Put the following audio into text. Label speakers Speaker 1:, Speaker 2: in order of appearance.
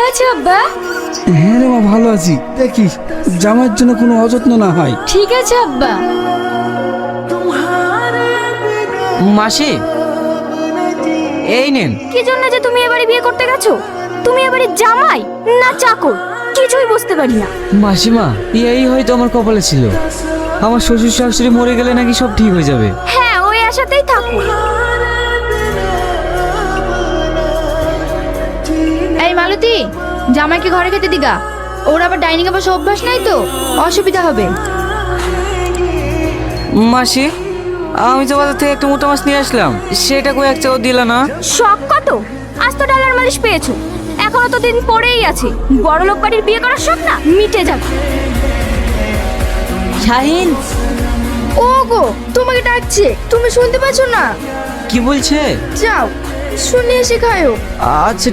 Speaker 1: আছো আব্বা?
Speaker 2: হ্যাঁ রে মা, ভালো আছি। দেখি জামাইয়ের জন্য কোনো অযত্ন না হয়।
Speaker 1: ঠিক আছে আব্বা।
Speaker 3: মাসি, এই নেন।
Speaker 1: কি জন্য যে তুমি এবারে বিয়ে করতে গেছো? তুমি এবারে জামাই না চাকর কিছুই বুঝতে পারি না।
Speaker 3: মাসিমা, এই হয়তো আমার কপালে ছিল। আমার শ্বশুর শাশুড়ি মরে গেলে নাকি সব ঠিক হয়ে যাবে।
Speaker 1: হ্যাঁ, ওই আশাতেই থাকো।
Speaker 4: এই মালতী, জামাইকে ঘরে খেতে দিগা। ওর আবার ডাইনিং এ বসে অভ্যাস নাই তো, অসুবিধা হবে।
Speaker 3: মাসি, আমি তো বাজার থেকে একটা মোটা মাছ নিয়ে আসলাম, সেটা কই এক চাও দিলা না?
Speaker 1: শখ কত? আজ তো ডালার মালিশ পেয়েছো, এখনো তো দিন পরেই আছে। বড়লোক বাড়ির বিয়ে করার শখ না মিটে যাবে।
Speaker 3: শাহিন,
Speaker 4: ও গো, তোমাকে ডাকছে, তুমি শুনতে পাচ্ছ না?
Speaker 3: কি বলছে?
Speaker 4: যাও, শুনে এসে খায়ো।
Speaker 3: আচ্ছা